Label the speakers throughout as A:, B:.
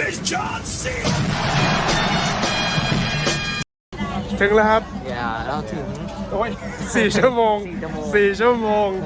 A: is John C.
B: ถึงแล้วครับ
C: อย่าเราถึง
B: โอ้ย4 ชั่วโมง 4 ชั่วโมง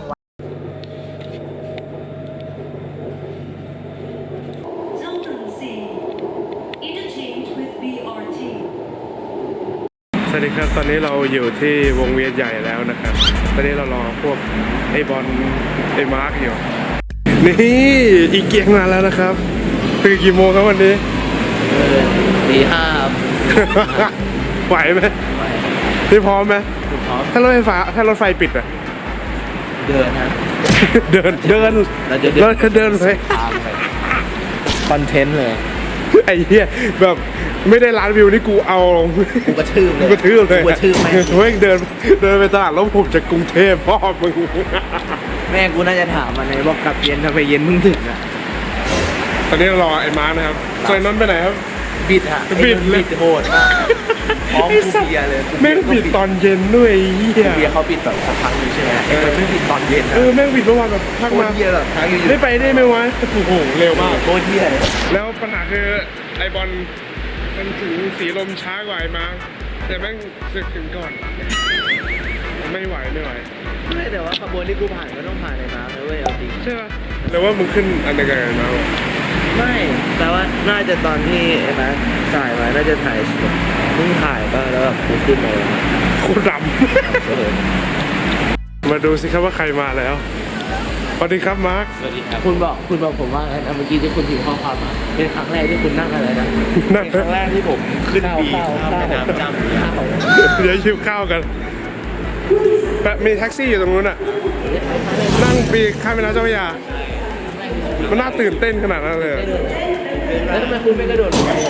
D: Zone C. Interchange with BRT.
B: สวัสดีครับ ตอนนี้เราอยู่ที่วงเวียนใหญ่แล้วนะครับ ตอนนี้เรารอพวกไอ้บอลไอ้มาร์กอยู่ นี่อีเกียงมาแล้วนะครับตื่นกี่โมงครับวันนี้
C: ตีห้า
B: ไหวไหมพี่พร้อมไหม
C: พร้อม
B: ถ้ารถไฟปิดอะ
C: เดินนะ
B: เดิน
C: เราจะ
B: เดินเลย
C: ทางไปคอนเทนต์เลย
B: ไอ้เหี้ยแบบไม่ได้ล้านวิวนี่กูเอาลง
C: กูกระทืบเลย
B: กูกระทืบเลย
C: กูกระทืบแม่ง
B: เฮ้ยเดินไปตลาดล้มผมจากกรุงเทพพ่อมึง
C: แม่กูน่าจะถามมันในบอกกลับเย็นทำไมเย็นมึงถึงอ่ะ
B: ตอนนี้เรารอไอ้มาร์คนะครับส่วนไอ้นนท์ไปไหนครับ
C: บิดฮะ
B: บิดเลย
C: บิดโหดมากพร้อมกูเบียร์เลย
B: แม่งบิดตอนเย็นด้วยไอ้เหี้ย
C: เบียร์เขาบิดแบบสักพักนึงใช่ไหมไอ้คนไม่บิดตอนเย็นนะ
B: แม่งบิดเมื่อวานแบบพัก
C: โคต
B: มาร
C: เบียร์แบบทางอยู่
B: ได้ไปได้ไหมวะโอ้โหเร็วมาก
C: โคตรเบียร์เลย
B: แล้วปัญหาคือไอบอลมันถึงสีลมช้ากว่าไอ้มาร์คแต่แม่งสึกถึงก่อนไม่ไหว
C: ไม่แต่ว่าขบวนที่กูผ่านก็ต้องผ่านในน้ำนะเว้ยเอาจริง
B: ใช่ป่ะหรือว่ามึงขึ้นอันเดียวกันมา
C: ไม่แต่ว่าน่าจะตอนที่ไอ้นะสายมาน่าจะถ่ายเพิ่งถ่ายก็แล้วแบบกูขึ้นมาเลย
B: โคตรดำ มาดูสิครับว่าใครมาแล้วสวัสดีครับมาร์ค
C: สวัสดีครับคุณบอกผมว่าไงนะเมื่อกี้ที่คุณพิมพ์ข้อความมาเป็นครั้งแรกที่คุณนั่งอะไรนะ
B: นั่น
C: เป็นครั้งแรกที่ผมขึ้นบีข้าวแม่น้ำจำข้าว
B: เดี๋ยวชิวข้าวกันแปะมีแท็กซี่อยู่ตรงนู้นอ่ะนั่งปีข้ามแม่น้ำเจ้าพระยามันน่าตื่นเต้นขนาดนั้นเลย
C: แล้วทำไมคุณไม่กระโดดลงไป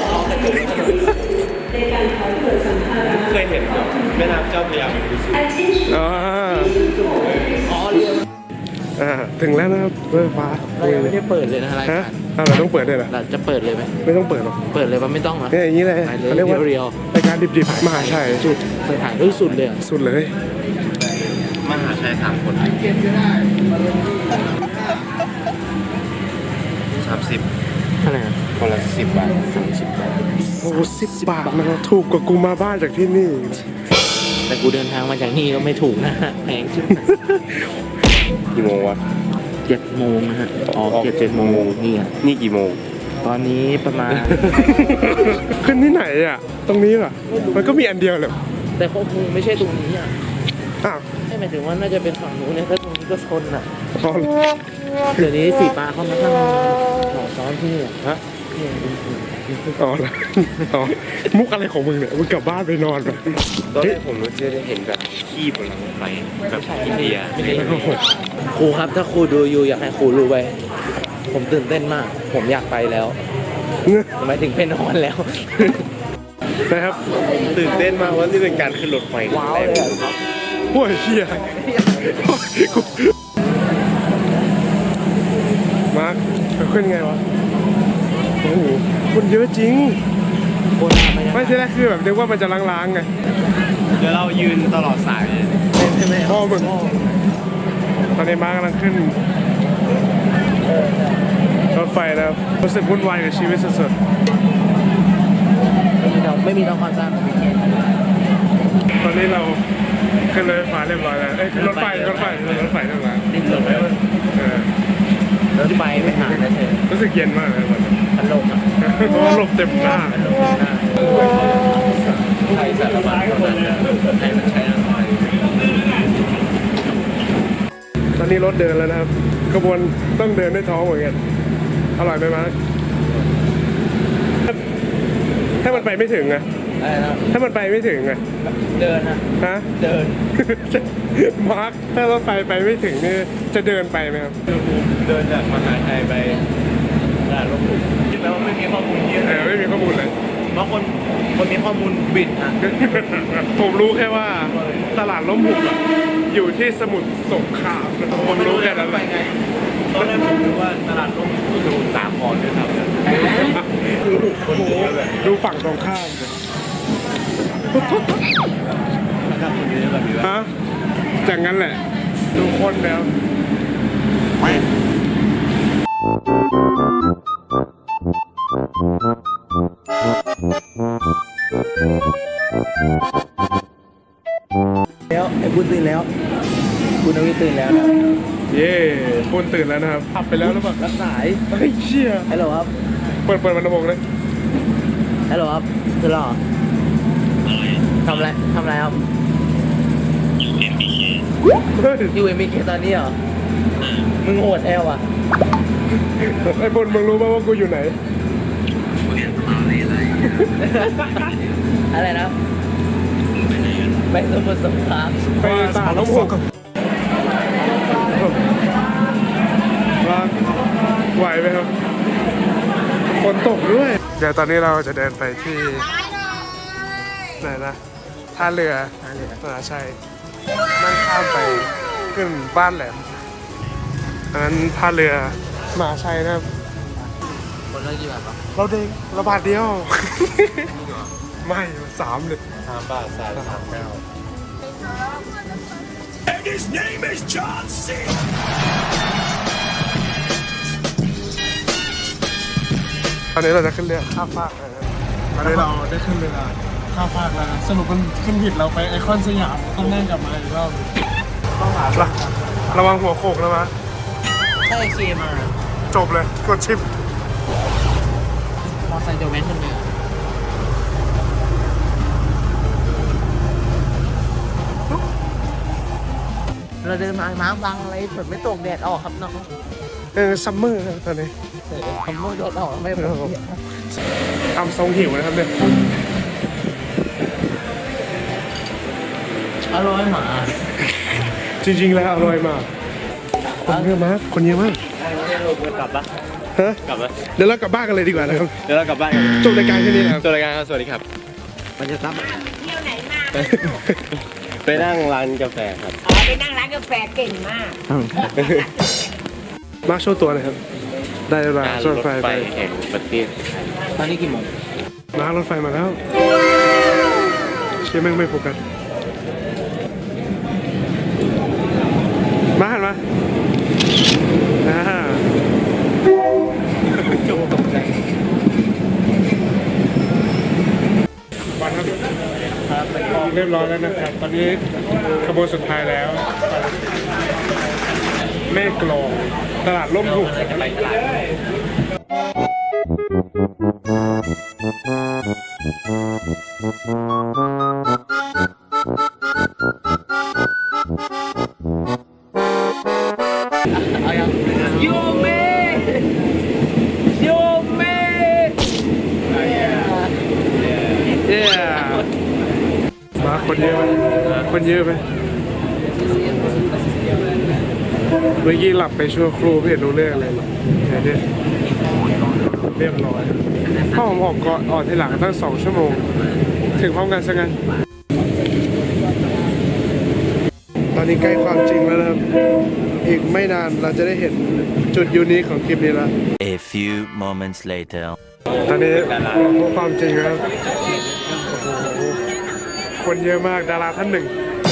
A: เคยเห็นแม่น้ำเจ้าพระยาเป็นดูสิ
B: อ๋อ
C: อ๋อเรือ
B: ถึงแล้วนะครับรถไฟฟ้า
C: เรายังไม่ได้เปิดเลยนะราย
B: ฮะ
C: การ
B: เราต้องเปิดด้วยเหรอ
C: เราจะเปิดเลยไหม
B: ไม่ต้องเปิดหรอก
C: เปิดเลยว่าไม่ต้องนะ
B: เนี่ยอย่างนี้เลย
C: ไปเลย
B: เขาเรียกว่า
C: เรียว
B: รายการดิบๆมหาชัย
C: สุดไปถ่ายด้วยสุดเลยอะ
B: สุดเลย
A: มหาชัย3 คน30
C: เท่าไหร่อะ
A: คนละ10 บาท
C: 30 บาท
B: โอ้10 บาทมันถูกกว่ากูมาบ้านจากที่นี่
C: แต่กูเดินทางมาจากนี่ก็ไม่ถูกนะฮะแพงชิบหาย
A: กี่โมงวะ
C: 7 โมงนะฮะอ๋อ7 โมงนี่อ่ะ
A: นี่กี่โมง
C: ตอนนี้ประมาณ
B: ขึ้นที่ไหนอ่ะ ตรงนี้เหรอมันก็มีอันเดียวเลย
C: แต่เขาคงไม่ใช่ตรงนี้อ่ะ
B: อ้าว
C: ไม่หมายถึงว่าน่าจะเป็นฝั่งนู้นเนี่ยถ้าตรงนี้ก็ชนอ่ะ
B: พอ
C: เดี๋ยวนี้สีปลาเขามาตั้งหอซ้อนที่นี่อะ
B: ฮะ
C: เนี่ยดูสิ
B: อ๋อแล้วอ๋อมุกอะไรของมึงเนี่ยมึงกลับบ้านไปนอนไป
A: ตอนแรกผมจะได้เห็นแบบขี้บนรางไฟแบบอินเดีย
C: ครูครับถ้าครูดูอยู่อยากให้ครูรู้ไว้ผมตื่นเต้นมาก ผมอยากไปแล้วหมายถึงไปนอนแล้ว
B: นะครับ
A: ตื่นเต้นมากว่านี่เป็นการขึ้นรถไฟ
C: ว้าวเลยอะครับ
B: โอ้ยเฮียกูมาร์คขึ้นไงวะโอ้โหคนเยอะจริง
C: โบราณไหม
B: ไม่ใช่แรกคือแบบนึกว่ามันจะล้างๆไง
A: เดี๋ยวเรายืนตลอดสาย
C: ใช่ไหม
B: พ่อมึงตอนนี้มาร์คกำลังขึ้นรถไฟนะครับรู้สึกวุ่นวายกับชีวิตสุด
C: ไม่มีน้องความสร้างของพี่เคน
B: ๆตอนนี้เราขึ้นรถไฟฟ้าเรียบร้อยแล้วเอ้ยขึ้นรถไฟเรียบร้อย
C: ดิ้นหลบแล้ว
B: เออ
C: รถไฟไปหาแล้วเธอ
B: รู้สึกเย็นมากเลยตอนนี้
C: พัดลมอ่ะ
B: เพราะว่าลมเต็มหน้า
C: พัดลมหน้าใช้สารพัดเท่านั้นให้มันใช้อะไร
B: ตอนนี้รถเดินแล้วนะครับขบวนต้องเดินด้วยท้องเหมือนกันอร่อยไหมมาร์คถ้ามันไปไม่ถึงอะ
C: อะไรนะ
B: ถ้ามันไปไม่ถึงอะ
C: เดินนะ
B: ฮะ
C: เดิน
B: มาร์คถ้ารถไฟไปไม่ถึงนี่จะเดินไปไหมครับ
A: เดินจากมหาชัยไปตลาดลบบุรีคิดแล้วว่าไม่มีข้อมูลเยอะ
B: ไม่มีข้อมูลเลย
A: บางคนมีข้อมูลบิดนะ
B: ผมรู้แค่ว่าตลาดล้มหุบอะอยู่ที่สมุทรสงครามนะครับผมรู้แค่นั้น
A: ไปไงตอนแรกผมนึกว่าตลาดลบสมุทรสาครด้วยครับ
B: โอ้โหดูฝั่งตรงข้ามเลย
A: นะครับคนเยอะแบบนี้ว่า
B: ฮะจากนั้นแหละ ดูคนแล้ว
A: ไ
C: แล้วไอ้คุณตื่นแล้ว คุณนวิทย์ตื่นแล้วนะ
B: เย่ปุ้นตื่นแล้วนะครับขับไปแล้วหรือเปล่า
C: รับสาย
B: เฮ้ยเชี่ย
C: ฮัลโหลครับ
B: เปิดมันระบบเลย
C: ฮัลโหลครับตื่นแล้วเหรอทำอะไรครับ
B: เฮ้ย
C: อยู่เอ็มบีเคตอนนี้เหรอ มึงโหดแอลอ่ะ
B: ไอ้ปุ้นมึงรู้ป่าวว่ากูอยู่ไหน
C: อะไรนะ ไปสมุทรสงคราม
B: ไปตากน้ำหกว่าไหวไหมครับฝนตกด้วย เดี๋ยวตอนนี้เราจะเดินไปที่ไหนนะท่าเรือใช่นั่งข้ามไปขึ้นบ้านแหลมอันนั้นท่าเรือมหาชัยนะครับ
C: คนละกี่บาทปะ
B: เราเด้งเราบาทเดียว ไม่3เลย
A: 3 บาท3.39
B: ตอนนี้เราจะขึ้นเรือข้ามฟากนะครับตอนนี้เราได้ขึ้นเรือข้ามฟากแล้วนะสรุปมันขึ้นผิดเราไปไอคอนสยามต้องนั่งกลับมาอีกรอบต้องหาระวังหัวโขกนะมะ
C: ใช่เคมา
B: จบเลยกดชิป
C: มอไซค์โดแมนขึ้นเรือเราเดินมาน้ำบังอะไรฝนไม่ตกแดดออกครับน้อง
B: ซัมเมอร์ตอนนี้
C: ทำมือแดดออกไม่พอ
B: ทำทรงหิวนะครับเนี่ย
C: อร่อยหมา
B: จริงๆแล้วอร่อยมากคนเยอะมากคนเยอะมาก
A: กลับปะ
B: ฮะ
A: กลับปะ
B: เดี๋ยวเรากลับบ้านกันเลยดีกว่านะครับ
A: เดี๋ยวเรากลับบ้านกัน
B: จบรายการแค่นี้นะครับ
A: ตัวรายการครับสวัสดีครับ
C: มันจะซ้ำ
A: ไปนั่งร้านกาแฟครับ
E: อ๋อไปนั่งร้านกาแฟเก่งมาก
B: มาร์คโชว์ตัวหนะครับ ได้เวลา
A: การ
B: ร
A: ร
B: ถ
A: ถ
B: ไฟ
A: ไฟ
B: ไป
A: แห่งประเทศไทย
C: ตอนนี้กี่โมง
B: มาร์ครถไฟมาแล้วเชี่ยแม่งไม่โฟกัสมาหันมาจบตกใจวันครับเรียบร้อยแล้วนะครับ ตอนนี้ขบวนสุดท้ายแล้วแม่กลองตลาดร่มหุบ
C: เอายังโยเมโยเม
B: มาคนเยอะไหมคนเยอะไหมเมื่อกี้หลับไปชั่วครู่ไม่เห็นรู้เรื่องอะไรเลยเนี่ยเรียบร้อยพ่อผมออกก่อนออกทีหลังตั้ง2 ชั่วโมง ถึงพร้อมกันซะงั้นตอนนี้ใกล้ความจริงแล้วนะครับ อีกไม่นานเราจะได้เห็นจุดยูนิคของคลิปนี้แล้ว
F: A few moments later.
B: ตอนนี้พบความจริงแล้วโอ้โหคนเยอะมากดาราท่านหนึ่ง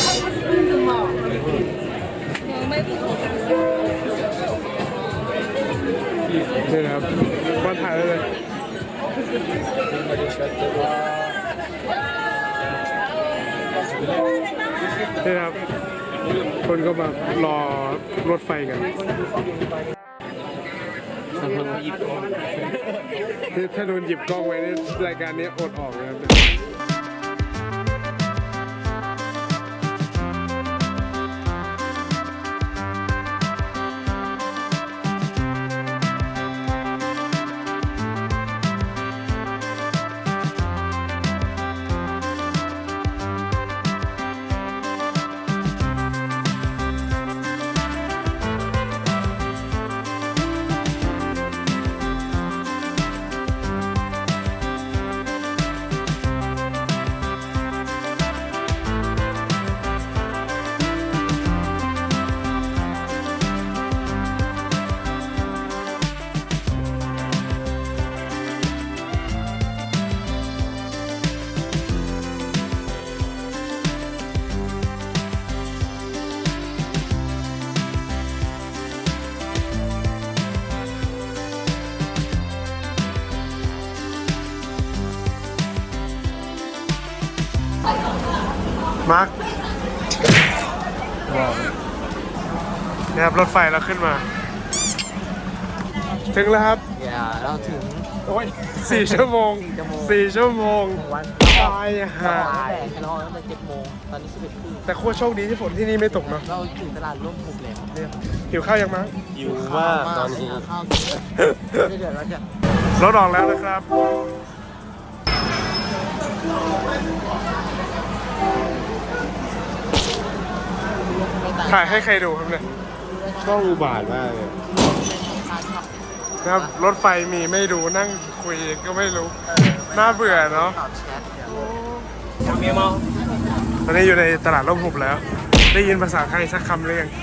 B: นี่นะครับมาถ่ายได้เลยนี่นะครับคนก็มารอรถไฟกันถ้าโดนหยิบกล้องไว้ในรายการนี้อดออกนะครับมาร์คเนี่ยครับรถไฟเราขึ้นมา ถึงแล้วครับ
C: อย่าเราถึง
B: โอ้ย4 ชั่วโมง 4 ชั่วโมง
C: วัน
B: ตายห่า
C: เราตั้งแต่7 โมงตอนนี้11 โมง
B: แต่โคตรโชคดีที่ฝนที่นี่ไม่ตกเนาะ
C: เราถึงตลาดร่มหุบแล้ว
B: หิวข้าวยังมั้ง
A: อยู่มากตอนนี้
C: ข้าวกินไม่ได้เดือดร้อนจะ
B: รถออกแล้วนะครับ ถ่ายให้ใครดูครับเนี่ย
A: ช่องอุบาทมากเลย
B: นะครับรถไฟมีไม่ดูนั่งคุยก็ไม่รู้ น่าเบื่อเนาะ
C: ตอบแชทเดี๋ยว
B: ตอนนี้อยู่ในตลาดร่มหุบแล้ว ได้ยินภาษาไทยสักคำหรือยัง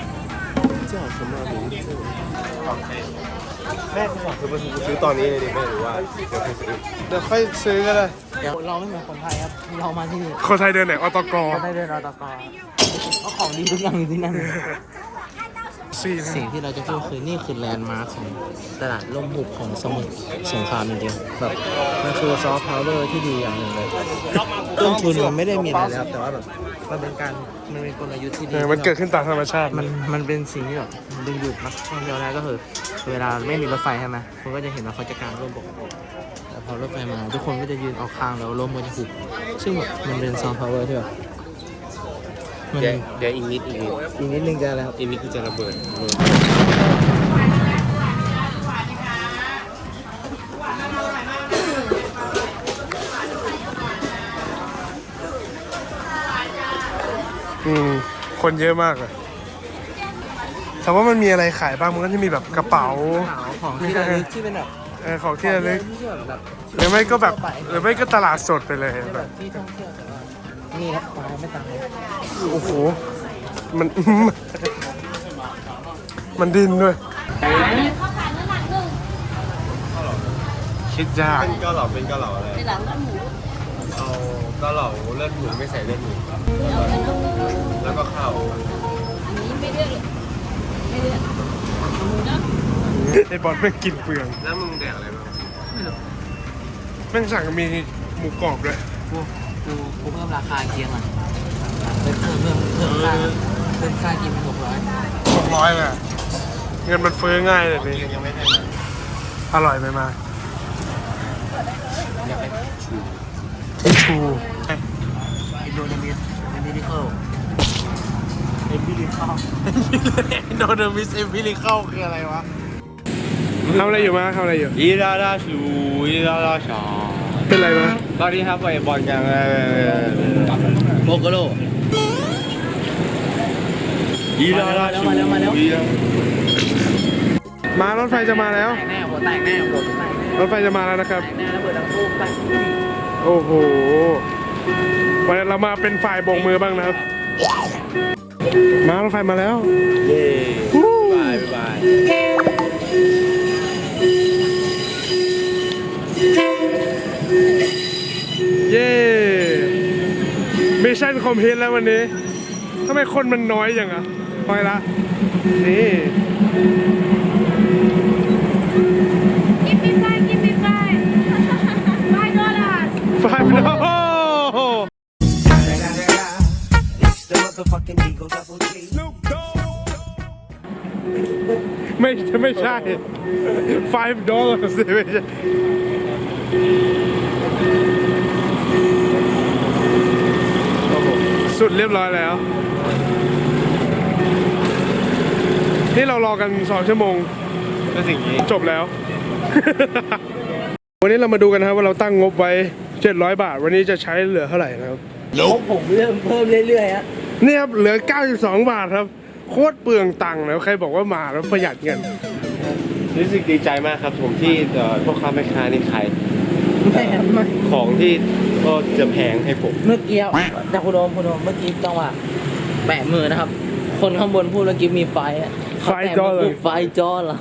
A: แม่บอกคือมาซื้อตอนนี้เลยดิแม่หรือว่าเดี๋ยวค่อยซื้อ
B: เดี๋ยวค่อยซื้อก็ได้
C: เดี๋ยวเราไม่เหมือนคนไทยครับเรามาที่นี่
B: คนไทยเดินไหนอตก
C: เราได้เดินรอตกเพราะของดีทุกอย่างอยู่ที่นั่น
B: สี่นะ
C: สิ่งที่เราจะพูดคือนี่คือแลนด์มาร์คของตลาดร่มหุบของสมุทรสงครามจริงๆแบบมันคือซอฟต์พาวเวอร์ที่ดีอย่างหนึ่งเลยต้นทุนมันไม่ได้มีอะไรแล้วแต่ว่าแบบมันเป็นกลยุทธ์ที่ดี
B: มันเกิดขึ้นตามธรรมชาติ
C: มันเป็นสิ่งที่แบบดึงดูดนักท่องเที่ยวได้ก็คือเวลาไม่มีรถไฟใช่ไหมคุณก็จะเห็นว่าเขาจะกางร่มปกติแต่พอรถไฟมาทุกคนก็จะยืนออกข้างแล้วร่มก็จะหุบซึ่งแบบมันเป็นซอฟต์พาวเวอร์ที่แบบมัน
A: เดี๋ยวอีกนิด
C: อีกนิดนึงจะอะไรครับ
A: อีกนิดคือจะระเบิด
B: คนเยอะมากเลยแต่ว่ามันมีอะไรขายบ้างมันก็จะมีแบบกระเป๋า
C: ของที่ระลึกที่เป็นแบบ
B: ของที่ระลึก
C: ที่แบบ
B: หรือไม่ก็แบบหรือไม่ก็ตลาดสดไปเลย
C: ที่
B: แบ
C: แบบ บที่ท่องเที่ยวแต่ว่านี่ครับปลาไม่ต่างเลย
B: โอ้โหมัน มันดินด้วยคิดยาก
A: เป็นเกาเหลาอะไรเอาเกาเหลาเลือดหมูไม่ใส่เลือดหมูแล้วก็ข้าว
B: ไอ้บอลแม่งกินเปลือง
A: แล้วมึงแดกอะไรบ้าง
B: แม่งสั่งมีหมูกรอบด้วย
C: กูเพิ่มราคาเคียงอ่ะเพิ่มค่ากินเป็น
B: 600เลยอะเงินมันเฟ้อง่ายเลยนี่
A: ยังไม่ให้มา
B: อร่อยไหมมา
C: อยากไป
B: ทิชชู
C: อินโดนีเซียมินิเคิล
B: อินโดนีเซียเอมพิลิเข้าคืออะไรวะทำอะไรอยู่มาทำอะไรอยู่
A: อีลาลาชูอีลาลาชา
B: เป็นไรมา
A: ตอนนี้ครับไปบอลกัน
C: โบโกโล
A: อีลาลาชู
B: มารถไฟจะมาแล้ว
C: แตกแน่หัวแตกแน่หัวแตกแน่
B: รถไฟจะมาแล้วนะครับ
C: แตกแน่แล้วเปิดดังตู้แตก
B: โอ้โหวันนี้เรามาเป็นฝ่ายโบกมือบ้างนะครับ มารถไฟมาแล้ว
A: เย้บายบาย
B: เย้มิชชั่นคอมพลีทแล้ววันนี้ทำไมคนมันน้อยอย่างอ่ะน้อยละ นี่
E: Give me five, give me five. $5.
B: ไฟมันโอ้โหไม่ใช่$5สิไม่ใช่โอ้โหสุดเรียบร้อยแล้ว นี่เรารอกัน2 ชั่วโมง
A: ก็สิ่งนี้
B: จบแล้ว วันนี้เรามาดูกันนะครับว่าเราตั้งงบไว้700 บาท วันนี้จะใช้เหลือเท่าไหร่นะครับ
C: ผมเริ่มเพิ่มเรื่อยๆฮะ
B: นี่ครับเหลือ92 บาทครับ โคตรเปลืองตังค์แล้วใครบอกว่ามาแล้วประหยัดเงิน
A: รู้สึกดีใจมากครับผมที่พ่อค้าแม่ค้านี่ขาย
C: ไม่
A: ของที่ก็จะแพงให้ผม
C: เมื่อกี้จากคุณโอมเมื่อกี้จังหวะแปะมือนะครับ คนข้างบนพูดเมื่อกี้มีไฟอะเขาแปะมือไฟจอเหรอ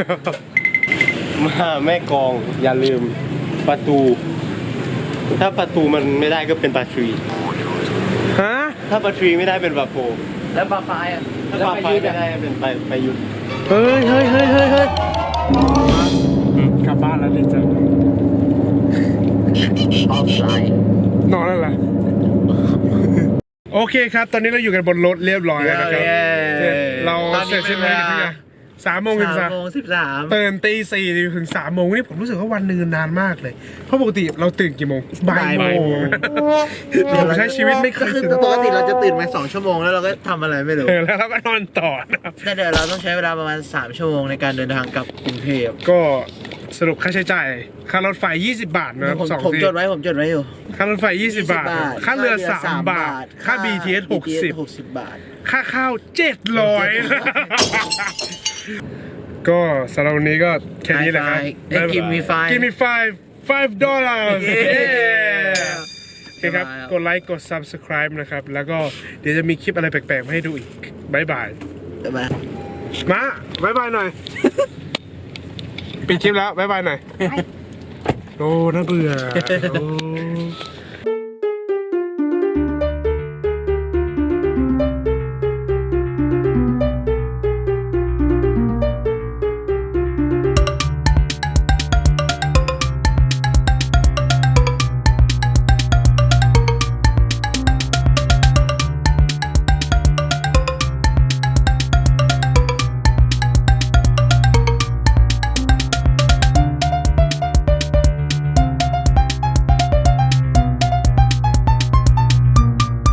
A: มาแม่กองอย่าลืมประตู ถ้าประตูมันไม่ได้ก็เป็นปลาทรี
B: ฮะ
A: ถ้าปลาทรีไม่ได้เป็นปลาโฟ
C: แล้วปลาไฟอ่ะ
A: ถ้าปลาไฟไม่ได้เป็นปลายุทธ
B: เฮ้ยกลับบ้านแล้วดีจัง
C: ออฟไลน์
B: นอนแล้วเหรอโอเคครับ ตอนนี้เราอยู่กันบนรถเรียบร้อยแล้วนะครับ
C: เย้
B: เรา
C: ตอนนี้
B: เสร็จสิ้นภารกิจ
C: เป็นเวลา
B: ที่3:13 ตื่นตี 4ถึง3 โมงนี่ผมรู้สึกว่าวันหนึงนานมากเลย เพราะปกติเราตื่นกี่โมงบ่ายโมงผมใช้ชีวิตไม่เคย
C: คือ
B: ตื่น
C: ปกติเราจะตื่นมา2 ชั่วโมงแล้วเราก็ทำอะไรไม่รู้
B: แล้วเราก็นอนต่อนะครับ
C: แต่เดี๋ยวเราต้องใช้เวลาประมาณ3 ชั่วโมงในการเดินทางกลับกรุงเทพ
B: ก็สรุปค่าใช้จ่ายค่ารถไฟ20 บาทนะครับ
C: ผม
B: 2 ที่
C: จดไว้อยู่
B: ค่ารถไฟ20 บาท ค่าเรือ3 บาท ค่า BTS
C: 60 บาท
B: ค่าข้าว700 ก็สำหรับวันนี้ก็แค่นี้แหละครับ
C: Give me five
B: Give me $5 โอเคครับ
C: บ๊ายบายครับ
B: กดไลค์กด subscribe นะครับ แล้วก็เดี๋ยวจะมีคลิปอะไรแปลกๆมาให้ดูอีกบายบาย
C: บ๊ายบาย
B: มาบายบายหน่อย ปิดคลิปแล้วบายบายหน่อย โอ้น่าเบื่อโอ้